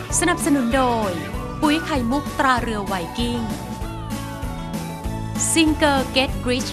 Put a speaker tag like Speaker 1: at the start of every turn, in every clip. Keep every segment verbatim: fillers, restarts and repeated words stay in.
Speaker 1: สนับสนุนโดยปุ๋ยไข่มุกตราเรือไวกิ้งซิงเกอร์เก็ตกริช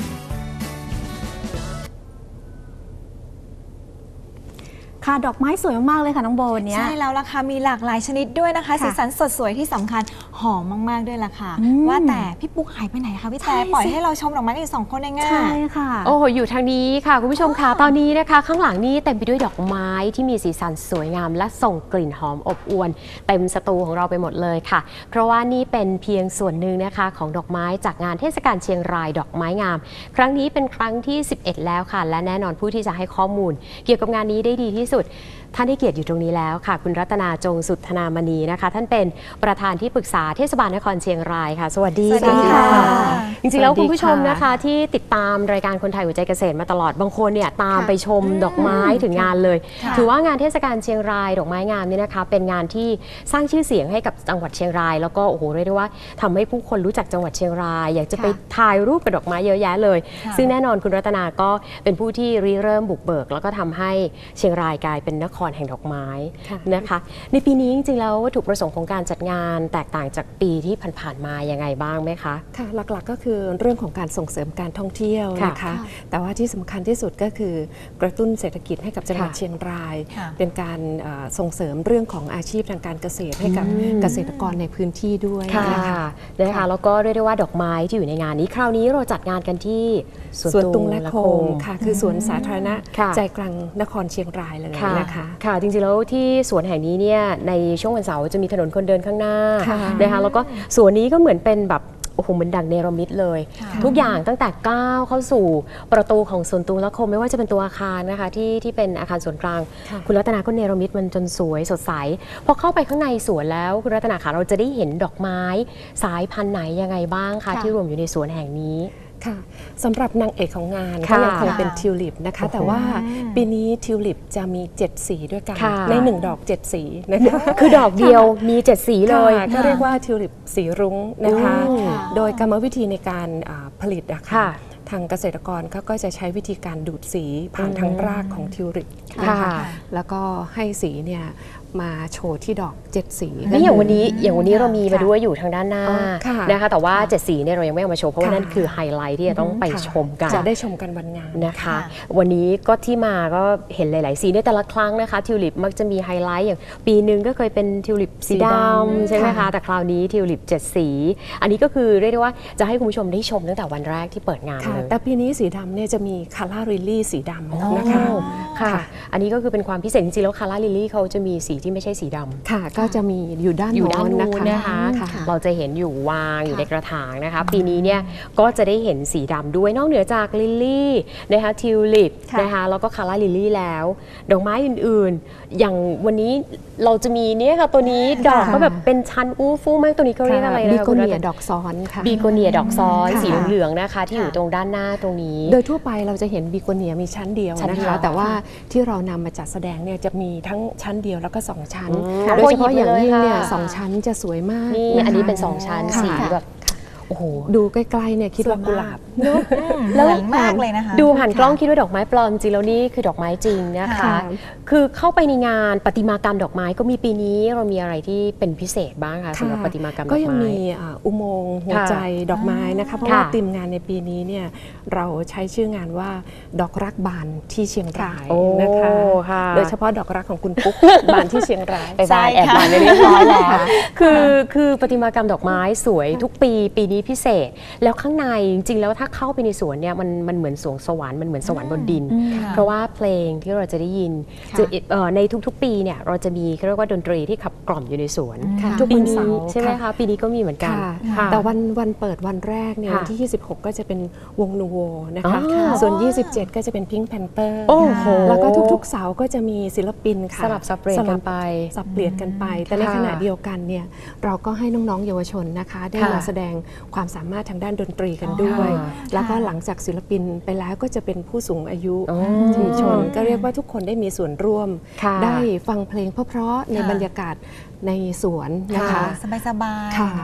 Speaker 2: ค่ะดอกไม้สวยมากๆเลยค่ะน้องโบวันนี้
Speaker 3: ใช่แล้วล่ะค่ะมีหลากหลายชนิดด้วยนะคะสีสันสดสวยที่สำคัญหอมมากๆด้วยล่ะค่ะว่าแต่พี่ปุ๊กหายไปไหนคะพี่แต่ปล่อยให้เราชมดอกไม้กันสองคนเองง่าย
Speaker 2: ใช่ค่ะ
Speaker 4: โอ้โหอยู่ทางนี้ค่ะคุณผู้ชมค่ะตอนนี้นะคะข้างหลังนี้เต็มไปด้วยดอกไม้ที่มีสีสันสวยงามและส่งกลิ่นหอมอบอวลเต็มสตูของเราไปหมดเลยค่ะเพราะว่านี่เป็นเพียงส่วนหนึ่งนะคะของดอกไม้จากงานเทศกาลเชียงรายดอกไม้งามครั้งนี้เป็นครั้งที่สิบเอ็ดแล้วค่ะและแน่นอนผู้ที่จะให้ข้อมูลเกี่ยวกับงานนี้ได้ดีที่สุดท่านได้เกียรติอยู่ตรงนี้แล้วค่ะคุณรัตนาจงสุทธนามณีนะคะท่านเป็นประธานที่ปรึกษาเทศบาลนครเชียงรายค่ะสวัสดีค่ะจริงๆแล้วคุณผู้ชมนะคะที่ติดตามรายการคนไทยหัวใจเกษตรมาตลอดบางคนเนี่ยตามไปชมดอกไม้ถึงงานเลยถือว่างานเทศกาลเชียงรายดอกไม้งามนี่นะคะเป็นงานที่สร้างชื่อเสียงให้กับจังหวัดเชียงรายแล้วก็โอ้โหเรียกได้ว่าทำให้ผู้คนรู้จักจังหวัดเชียงรายอยากจะไปถ่ายรูปกับดอกไม้เยอะแยะเลยซึ่งแน่นอนคุณรัตนาก็เป็นผู้ที่ริเริ่มบุกเบิกแล้วก็ทำให้เชียงรายกลายเป็นนครแห่งดอกไม้นะคะในปีนี้จริงๆแล้ววัตถุประสงค์ของการจัดงานแตกต่างจากปีที่ผ่านๆมายังไงบ้างไหมคะ
Speaker 5: ค่ะหลักๆก็คือเรื่องของการส่งเสริมการท่องเที่ยวนะคะแต่ว่าที่สำคัญที่สุดก็คือกระตุ้นเศรษฐกิจให้กับจังหวัดเชียงรายเป็นการส่งเสริมเรื่องของอาชีพทางการเกษตรให้กับเกษตรกรในพื้นที่ด้วยนะคะ
Speaker 4: นะคะแล้วก็เรียกได้ว่าดอกไม้ที่อยู่ในงานนี้คราวนี้เราจัดงานกันที่
Speaker 5: สวนตุงและคงค่ะคือสวนสาธารณะใจกลางนครเชียงรายเลยนะคะ
Speaker 4: ค่ะจริงๆแล้วที่สวนแห่งนี้เนี่ยในช่วงวันเสาร์จะมีถนนคนเดินข้างหน้านะคะแล้วก็สวนนี้ก็เหมือนเป็นแบบโอ้โหมันดังเนรมิตเลยทุกอย่างตั้งแต่ก้าวเข้าสู่ประตูของสวนตุงและคงไม่ว่าจะเป็นตัวอาคารนะคะที่ที่เป็นอาคารส่วนกลางคุณรัตนาก็เนรมิตมันจนสวยสดใสพอเข้าไปข้างในสวนแล้วคุณรัตนาคะเราจะได้เห็นดอกไม้สายพันธุ์ไหนยังไงบ้างคะที่รวมอยู่ในสวนแห่งนี้
Speaker 5: ค่ะสำหรับนางเอกของงานก็ยังคงเป็นทิวลิปนะคะแต่ว่าปีนี้ทิวลิปจะมีเจ็ดสีด้วยกันในหนึ่งดอกเจ็ดสีนะคะ
Speaker 4: คือดอกเดียวมีเจ็ดสีเลย
Speaker 5: ก็เรียกว่าทิวลิปสีรุ้งนะคะโดยกรรมวิธีในการผลิตนะคะทางเกษตรกรเขาก็จะใช้วิธีการดูดสีผ่านทางรากของทิวลิปนะคะแล้วก็ให้สีเนี่ยมาโชว์ที่ดอกเจ็ดสี
Speaker 4: นี่อย่างวันนี้อย่างวันนี้เรามีมาด้วยอยู่ทางด้านหน้านะคะแต่ว่าเจ็ดสีเนี่ยเรายังไม่เอามาโชว์เพราะว่านั่นคือไฮไลท์ที่จะต้องไปชมกัน
Speaker 5: จะได้ชมกันวันงาน
Speaker 4: นะคะวันนี้ก็ที่มาก็เห็นหลายๆสีในแต่ละครั้งนะคะทิวลิปมักจะมีไฮไลท์อย่างปีหนึ่งก็เคยเป็นทิวลิปสีดำใช่ไหมคะแต่คราวนี้ทิวลิปเจ็ดสีอันนี้ก็คือเรียกได้ว่าจะให้คุณผู้ชมได้ชมตั้งแต่วันแรกที่เปิดงานเลย
Speaker 5: แต่ปีนี้สีดำเนี่ยจะมีคาร่าลิลลี่สีดำนะคะ
Speaker 4: ค่ะอันนี้ก็คือเป็นความพิเศษจริงๆแล้วคาร่าลิลลี่เขาจะมีสีที่ไม่ใช่สีดำ
Speaker 5: ค่ะก็จะมีอยู่ด้าน
Speaker 4: อยู่ด้านนู้นนะคะเราจะเห็นอยู่วางอยู่ในกระถางนะคะปีนี้เนี่ยก็จะได้เห็นสีดำด้วยนอกเหนือจากลิลลี่นะคะทิวลิปนะคะแล้วก็คาร่าลิลลี่แล้วดอกไม้อื่นๆอย่างวันนี้เราจะมีเนี่ยค่ะตัวนี้ดอกก็แบบเป็นชั้นอู้ฟู่มากตัวนี้เขาเรียกอะไรนะ
Speaker 5: บีโกเนียดอกซ้อนค่ะ
Speaker 4: บีโกเนียดอกซ้อนสีเหลืองๆนะคะที่อยู่ตรงด้านหน้าตรงนี้
Speaker 5: โดยทั่วไปเราจะเห็นบีโกเนียมีชั้นเดียวนะคะแต่ว่าที่เรานำมาจัดแสดงเนี่ยจะมีทั้งชั้นเดียวแล้วก็สองชั้นโดยเฉพาะอย่างยิ่งเนี่ยสองชั้นจะสวยมาก
Speaker 4: นี่อันนี้เป็นสองชั้นสีแบบโอ้โห
Speaker 5: ดูใกล้ๆเนี่ยคิดว่ากุหลาบ
Speaker 3: แล้วมากเลยนะคะ
Speaker 4: ดูผ่านกล้องคิดว่าดอกไม้ปลอมจริงแล้วนี่คือดอกไม้จริงนะคะคือเข้าไปในงานประติมากรรมดอกไม้ก็มีปีนี้เรามีอะไรที่เป็นพิเศษบ้างคะสำหรับประติมากรรมดอกไม้
Speaker 5: ก็ยังมีอุโมงค์หัวใจดอกไม้นะคะเพราะว่าธีมงานในปีนี้เนี่ยเราใช้ชื่องานว่าดอกรักบานที่เชียงรายนะคะโดยเฉพาะดอกรักของคุณปุ๊กบานที่เชียงราย
Speaker 4: ไปบานแอบบานเรียบร้อยแล้วคือคือประติมากรรมดอกไม้สวยทุกปีปีนี้พิเศษแล้วข้างในจริงๆแล้วถ้าเข้าไปในสวนเนี่ยมันมันเหมือนสวงสวรรค์มันเหมือนสวรรค์บนดินเพราะว่าเพลงที่เราจะได้ยินในทุกๆปีเนี่ยเราจะมีเรียกว่าดนตรีที่ขับกล่อมอยู่ในสวน
Speaker 5: ทุกวันเสาร์
Speaker 4: ใช่ไหมคะปีนี้ก็มีเหมือนกัน
Speaker 5: แต่วันวันเปิดวันแรกเนี่ยวันที่ยี่สิบหกก็จะเป็นวงนูโวนะคะส่วนยี่สิบเจ็ดก็จะเป็นพิงค์แพนเตอร์แล้วก็ทุกๆเสาร์ก็จะมีศิลปินค่ะ
Speaker 4: สลับสับเปลี่ยนกันไป
Speaker 5: สับเปลี่ยนกันไปแต่ในขณะเดียวกันเนี่ยเราก็ให้น้องๆเยาวชนนะคะได้มาแสดงความสามารถทางด้านดนตรีกันด้วยแล้วก็หลังจากศิลปินไปแล้วก็จะเป็นผู้สูงอายุชุมชนก็เรียกว่าทุกคนได้มีส่วนร่วมได้ฟังเพลงเพราะๆในบรรยากาศในสวนนะคะ
Speaker 3: สบายๆค่ะ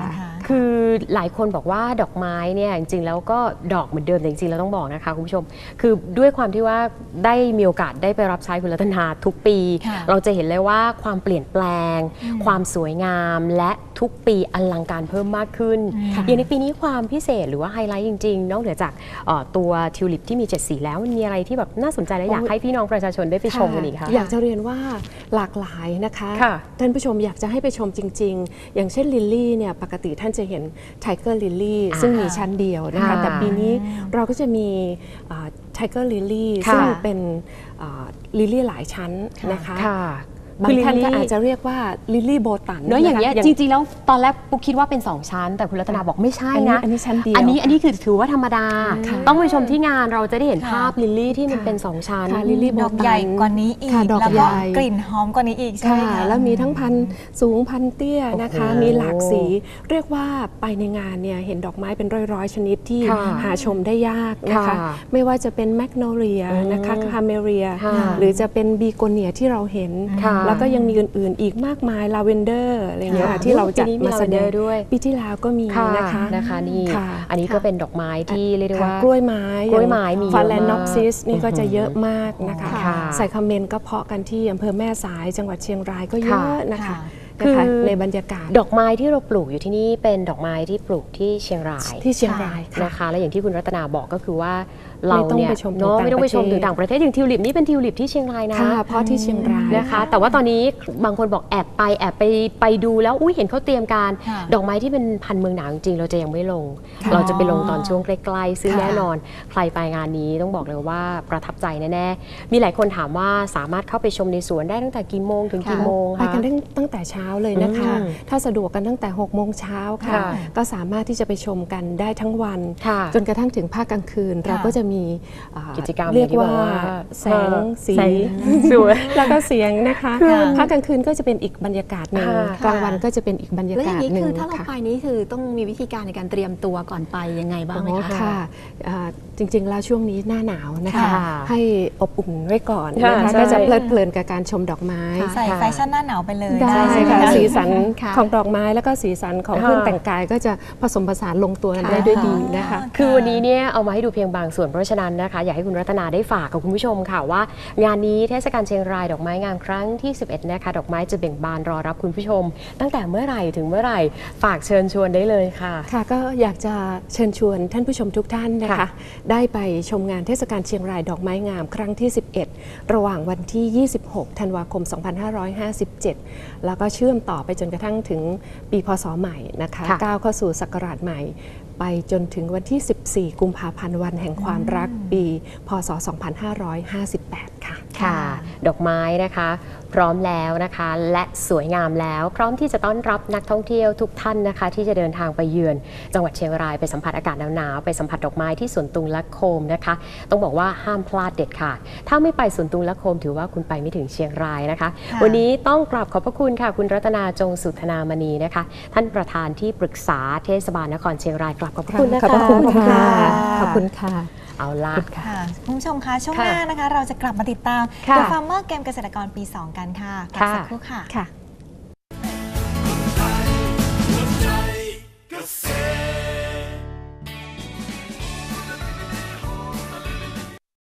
Speaker 4: คือหลายคนบอกว่าดอกไม้เนี่ยจริงๆแล้วก็ดอกเหมือนเดิมแต่จริงๆเราต้องบอกนะคะคุณผู้ชมคือด้วยความที่ว่าได้มีโอกาสได้ไปรับใช้คุณรัตนาทุกปี เราจะเห็นเลยว่าความเปลี่ยนแปลง ความสวยงามและทุกปีอลังการเพิ่มมากขึ้นอย่างในปีนี้ความพิเศษหรือว่าไฮไลท์จริงๆนอกเหนือจากตัวทิวลิปที่มีเจ็ดสีแล้วมันมีอะไรที่แบบน่าสนใจและอยากให้พี่น้องประชาชนได้ไปชมกันอีกคะ
Speaker 5: อยากจะเรียนว่าหลากหลายนะคะท่านผู้ชมอยากจะให้ไปชมจริงๆอย่างเช่นลิลลี่เนี่ยปกติท่านจะเห็นไทเกอร์ลิลลี่ซึ่งมีชั้นเดียวนะคะแต่ปีนี้เราก็จะมีไทเกอร์ลิลลี่ซึ่งเป็นลิลลี่หลายชั้นนะคะบางท่านก็อาจจะเรียกว่าลิลลี่โบตัน
Speaker 4: เนอะอย่างเงี้ยจริงๆแล้วตอนแรกปุ๊กคิดว่าเป็นสองชั้นแต่คุณรัตนาบอกไม่ใช่นะ
Speaker 5: อันนี้ชั้นเดียว
Speaker 4: อันนี้อันนี้คือถือว่าธรรมดาต้องไปชมที่งานเราจะได้เห็นภาพลิลลี่ที่มันเป็นสองชั้น
Speaker 5: ลิลลี่โบตัน
Speaker 3: ดอกใหญ่กว่านี้อีกแล้วก็กลิ่นหอมกว่านี้อีกใช่ไหมคะ
Speaker 5: แล้วมีทั้งพันสูงพันเตี้ยนะคะมีหลากสีเรียกว่าไปในงานเนี่ยเห็นดอกไม้เป็นร้อยๆชนิดที่หาชมได้ยากนะคะไม่ว่าจะเป็นแมกโนเลียนะคะคาเมเรียหรือจะเป็นบีโกเนียที่เราเห็นแล้วก็ยังมีอื่นอีกมากมายลาเวนเดอร์อะไรอย่างเงี้ยที่เราจัดมาแสดงด้วยปีที่แล้วก็มีนะคะ
Speaker 4: นะคะนี่อันนี้ก็เป็นดอกไม้ที่เรียกได้ว่าก
Speaker 5: ล้วยไม้
Speaker 4: กล้วยไม้มี
Speaker 5: ฟาแลนนอปซิสนี่ก็จะเยอะมากนะคะใส่คาเมนก็เพาะกันที่อำเภอแม่สายจังหวัดเชียงรายก็เยอะนะคะคือในบรรยากาศ
Speaker 4: ดอกไม้ที่เราปลูกอยู่ที่นี่เป็นดอกไม้ที่ปลูกที่เชียงราย
Speaker 5: ที่เชียงราย
Speaker 4: นะคะและอย่างที่คุณรัตนาบอกก็คือว่าเราเนี่ยเนาะไม่ต้องไปชมถึงต่างประเทศอย่างทิวลิปนี่เป็นทิวลิปที่เชียงรายนะ
Speaker 5: เพราะที่เชียงราย
Speaker 4: นะคะแต่ว่าตอนนี้บางคนบอกแอบไปแอบไปไปดูแล้วอุ้ยเห็นเขาเตรียมการดอกไม้ที่เป็นพันธุ์เมืองหนาวจริงๆเราจะยังไม่ลงเราจะไปลงตอนช่วงใกล้ๆซึ่งแน่นอนใครไปงานนี้ต้องบอกเลยว่าประทับใจแน่ๆมีหลายคนถามว่าสามารถเข้าไปชมในสวนได้ตั้งแต่กี่โมงถึงกี่โมง
Speaker 5: ไปกันตั้งแต่เช้าเลยนะคะถ้าสะดวกกันตั้งแต่หกโมงเช้าค่ะก็สามารถที่จะไปชมกันได้ทั้งวันจนกระทั่งถึงภาคกลางคืนเราก็จะมี
Speaker 4: กิจกรรม
Speaker 5: เรียกว่าแสงสีแล้วก็เสียงนะคะภาคกลางคืนก็จะเป็นอีกบรรยากาศหนึ่งกลางวันก็จะเป็นอีกบรรยากาศหนึ่ง
Speaker 2: คือถ้าเราไปนี้คือต้องมีวิธีการในการเตรียมตัวก่อนไปยังไงบ้างไหมคะ
Speaker 5: จริงๆแล้วช่วงนี้หน้าหนาวนะคะให้อบอุ่นไว้ก่อนนะคะก็จะเพลิดเพลินกับการชมดอกไม้
Speaker 3: ใส่แฟชั่นหน้าหนาวไปเลย
Speaker 5: ได้ค่ะสีสันของดอกไม้แล้วก็สีสันของเครื่องแต่งกายก็จะผสมผสานลงตัวกันได้ด้วยดีนะคะ
Speaker 4: คือวันนี้เนี่ยเอามาให้ดูเพียงบางส่วนเพราะฉะนั้นนะคะอยากให้คุณรัตนาได้ฝากกับคุณผู้ชมค่ะว่างานนี้เทศกาลเชียงรายดอกไม้งามครั้งที่สิบเอ็ดนะคะดอกไม้จะเบ่งบานรอรับคุณผู้ชมตั้งแต่เมื่อไหร่ถึงเมื่อไหร่ฝากเชิญชวนได้เลยค่ะ
Speaker 5: ค่ะก็อยากจะเชิญชวนท่านผู้ชมทุกท่านนะคะได้ไปชมงานเทศกาลเชียงรายดอกไม้งามครั้งที่สิบเอ็ดระหว่างวันที่ยี่สิบหกธันวาคมสองพันห้าร้อยห้าสิบเจ็ดแล้วก็เชื่อมต่อไปจนกระทั่งถึงปีพศใหม่นะคะก้าวเข้าสู่ศักราชใหม่ไปจนถึงวันที่สิบสี่กุมภาพันธ์วันแห่งความรักปีพศสองพันห้าร้อยห้าสิบแปดค่ะ
Speaker 4: ค่ะดอกไม้นะคะพร้อมแล้วนะคะและสวยงามแล้วพร้อมที่จะต้อนรับนักท่องเที่ยวทุกท่านนะคะที่จะเดินทางไปเยือนจังหวัดเชียงรายไปสัมผัสอากาศหนาวๆไปสัมผัสดอกไม้ที่สวนตุงและโคมนะคะต้องบอกว่าห้ามพลาดเด็ดขาดถ้าไม่ไปสวนตุงและโคมถือว่าคุณไปไม่ถึงเชียงรายนะคะวันนี้ต้องกราบขอบพระคุณค่ะคุณรัตนาจงสุธนามณีนะคะท่านประธานที่ปรึกษาเทศบาลนครเชียงรายกราบขอบพระคุณนะคะ
Speaker 5: ขอบคุณค่ะขอบคุณค่ะ
Speaker 4: เอาล่ะ
Speaker 3: ค่ะคุณผู้ชมคะช่วงหน้านะคะเราจะกลับมาติดตาม The Farmer เกมเกษตรกรปีสองกันค่ะกลับสักครู่ค่ะ